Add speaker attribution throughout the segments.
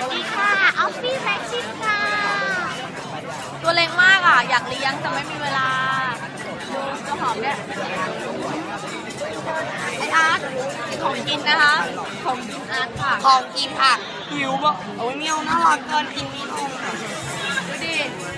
Speaker 1: ดีค่ะออฟฟี่แม็กซิมค่ะ
Speaker 2: ตัวเล็กมากอ่ะอยากเลี้ยงแต่ไม่มีเวลาดูตัวหอมเนี่ยไออาร์ตของกินนะคะของกินอาร์ตค่ะ
Speaker 3: ของกินค่ะหิวบอกโอ้ยเมียวน่ารักเกินกินมีนมอ่ะ
Speaker 2: ดูดิ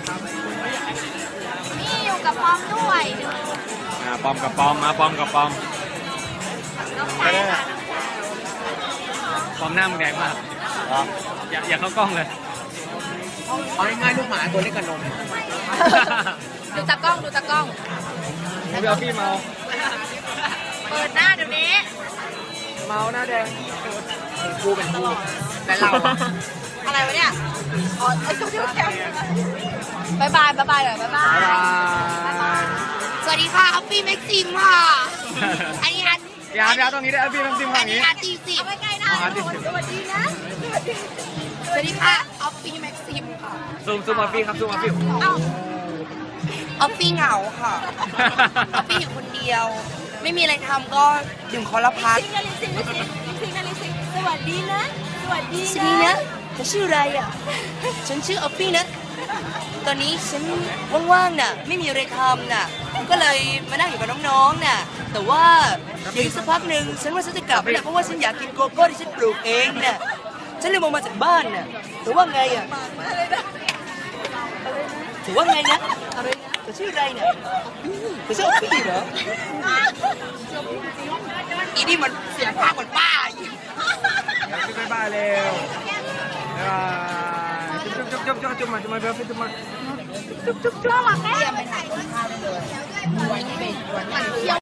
Speaker 2: นี่อยู่กับพร้อมด้วยดู
Speaker 4: ปอมกับปอมมาปอมกับปอม
Speaker 2: น้องชายค่ะ
Speaker 4: ปอมหน้ามึงแดงมากอย่าเข้ากล้องเลย
Speaker 3: เอาง่ายๆลูกหมาตัวเล็กกับนม
Speaker 2: ดูตากล้องดูตากล้อง
Speaker 4: ไม่เอาพี่เมา
Speaker 2: เปิดหน้าเดี๋ยวนี้
Speaker 4: เมาหน้าแดง
Speaker 3: กูเป็นกูแต่เราอะ
Speaker 2: อะไรวะเนี่ยอ๋อไอ้ตัวเดียวแค่บายบายบายบายเลยบายบาย
Speaker 3: สวัสดีค่ะออฟฟี่แม็กซิมค่ะอันนี้อัน
Speaker 4: อย่าตรงนี้ได้พี่น้ำจิ้ม
Speaker 3: อั
Speaker 4: ทาน ง
Speaker 3: นี้
Speaker 4: นี้
Speaker 3: อาร์ตีสิบ
Speaker 2: ไม่ใกล้หน้าสวัสดีนะ
Speaker 3: สวัสดีค่ะออฟฟี่แม็กซิมค่ะ
Speaker 4: ซูมมาพี่ครับซูมมาพี่
Speaker 2: เอ้า
Speaker 3: ออฟฟี่เหงาค่ะออฟฟี่อยู่คนเดียว ไม่มีอะไรทำก็ดื่มคอร์พัส
Speaker 2: สิงนาฬิสิงนาฬิสิงนาฬิสิงสวัสดีนะสวัสดี
Speaker 3: สวัสดีนะเธอชื่ออะไรอ่ะฉันชื่อออฟฟี่นะตอนนี้ฉันว่างๆน่ะไม่มีอะไรทำน่ะก็เลยมานั่งอยู่กับน้องๆน่ะแต่ว่าเดี๋ยวอีกสักพักหนึ่งฉันว่าฉันจะกลับแล้วนะเพราะว่าฉันอยากกินโกโก้ที่ฉันปลูกเองน่ะฉันเลยมองมาจากบ้านน่ะแต่ว่าไงอ่ะถือว่าไงนะอะไรนะเธอชื่ออะไรเนี่ยเธอชื่อออฟฟี่เหรออีนี่มันเสียงภาคเหมือนป้าอีก
Speaker 4: บ๊ายบายเร็วบ๊ายบายจุ๊บมาเบลฟิจุ๊บมา
Speaker 2: น่ารักแม่